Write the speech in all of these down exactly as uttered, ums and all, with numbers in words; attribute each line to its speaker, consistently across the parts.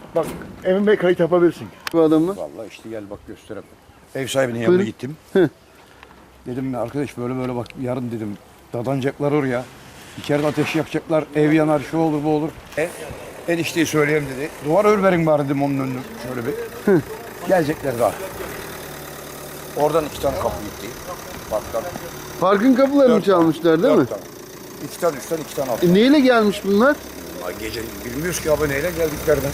Speaker 1: Bak Emin Bey kayıt yapabilirsin.
Speaker 2: Bu adamı.
Speaker 3: Vallahi işte gel bak göstereyim. Ev sahibinin yanına gittim. Dedim ya arkadaş böyle böyle bak yarın dedim dadanacaklar oraya. İçeride ateş yakacaklar, ev yanar, şu olur bu olur. E, enişteyi söyleyeyim dedi. Duvar örverin bari dedim onun önünü şöyle bir. Gelecekler daha. Oradan iki tane kapı gitti. Baktan.
Speaker 2: Parkın kapılarını
Speaker 3: Dört
Speaker 2: çalmışlar değil mi?
Speaker 3: Dört tane. İki tane üstten iki tane alttan.
Speaker 2: E, neyle gelmiş bunlar?
Speaker 3: Ay, gece bilmiyoruz ki abi neyle geldiklerden.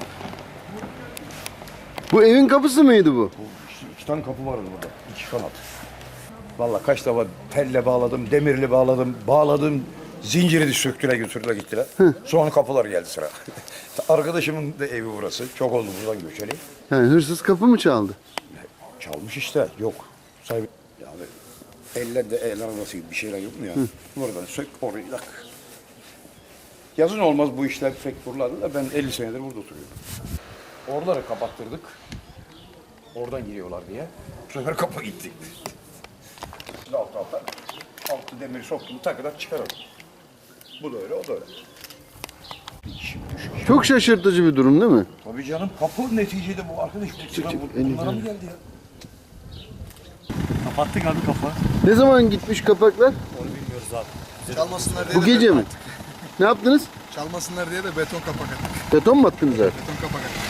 Speaker 2: Bu evin kapısı mıydı bu?
Speaker 3: Bu işte iki tane kapı vardı burada. İki kanat. Vallahi kaç defa telle bağladım, demirli bağladım, bağladım. Zinciri de söktüler götürdüler gittiler. Sonra kapılar geldi sıra. Arkadaşımın da evi burası. Çok oldu buradan göçeli.
Speaker 2: Yani hırsız kapı mı çaldı?
Speaker 3: Çalmış işte. Yok. Sahibi. Yani ellerde el arabası gibi bir şeyler yok mu ya? Buradan sök orayı tak. Yazın olmaz bu işler pek buralarda da ben elli senedir burada oturuyorum. Oraları kapattırdık. Oradan giriyorlar diye. Bu sefer kapı gitti. Alt alta. Altı demiri soktum takıdan çıkaralım. Bu da öyle, o da öyle. İçim düşük.
Speaker 2: Çok şaşırtıcı bir durum değil mi?
Speaker 3: Tabii canım kapı neticede bu arkadaş. Bu sıra
Speaker 2: çık,
Speaker 3: bu, bunlara mı geldi ya?
Speaker 1: Kapattık abi kafa.
Speaker 2: Ne zaman gitmiş kapaklar?
Speaker 1: Onu bilmiyoruz abi.
Speaker 4: Çalmasınlar diye
Speaker 2: Bu
Speaker 4: de
Speaker 2: gece
Speaker 4: beton
Speaker 2: mi?
Speaker 4: attık.
Speaker 2: Ne yaptınız?
Speaker 4: Çalmasınlar diye de beton kapak attık.
Speaker 2: Beton mu attınız abi?
Speaker 4: Beton kapak attık.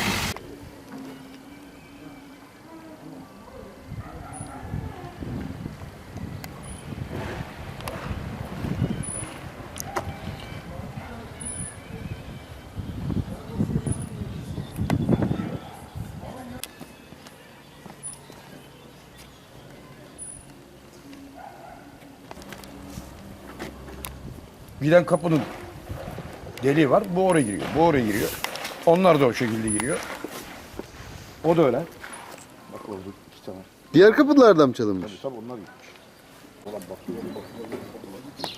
Speaker 3: Giden kapının deliği var. Bu oraya giriyor. Bu oraya giriyor. Onlar da o şekilde giriyor. O da öyle. Bak oldu iki tane.
Speaker 2: Diğer kapılardan mı çalınmış?
Speaker 3: Tabii tabii onlar gitmiş. Ulan bakıyor, bakıyor, bakıyor.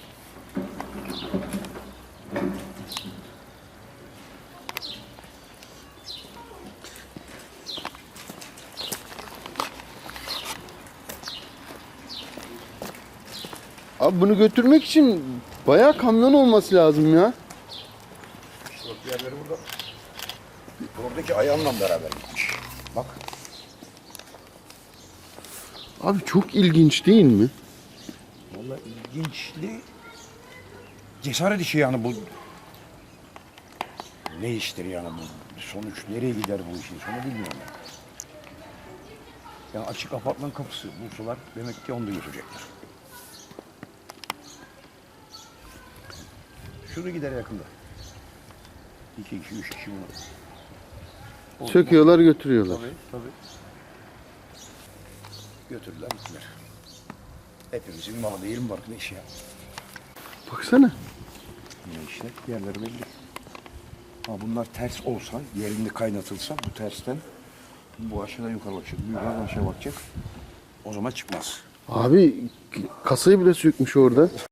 Speaker 2: Abi bunu götürmek için bayağı kamyon olması lazım ya.
Speaker 3: İşte bak diğerleri burada. Oradaki ayağımla beraber gitmiş. Bak.
Speaker 2: Abi çok ilginç değil mi?
Speaker 3: Vallahi ilginçli. Cesaret işi yani bu. Ne iştir yani bu? Sonuç nereye gider bu işin sonu bilmiyorum ben. Yani açık apartman kapısı bulsalar demek ki onu da götürecekler. Şunu gider yakında. İki kişi, üç kişi bunu.
Speaker 2: Söküyorlar götürüyorlar.
Speaker 3: Tabii, tabii. Götürdüler, gittiler. Hepimizin malı değil mi arkadaş ya?
Speaker 2: Baksana.
Speaker 3: Ne işte, yerleri belli. Ha bunlar ters olsa, yerinde kaynatılsa bu tersten bu aşağıdan yukarı bakacak, bu yukarıdan aşağı bakacak. O zaman çıkmaz.
Speaker 2: Abi kasayı bile sökmüş orada.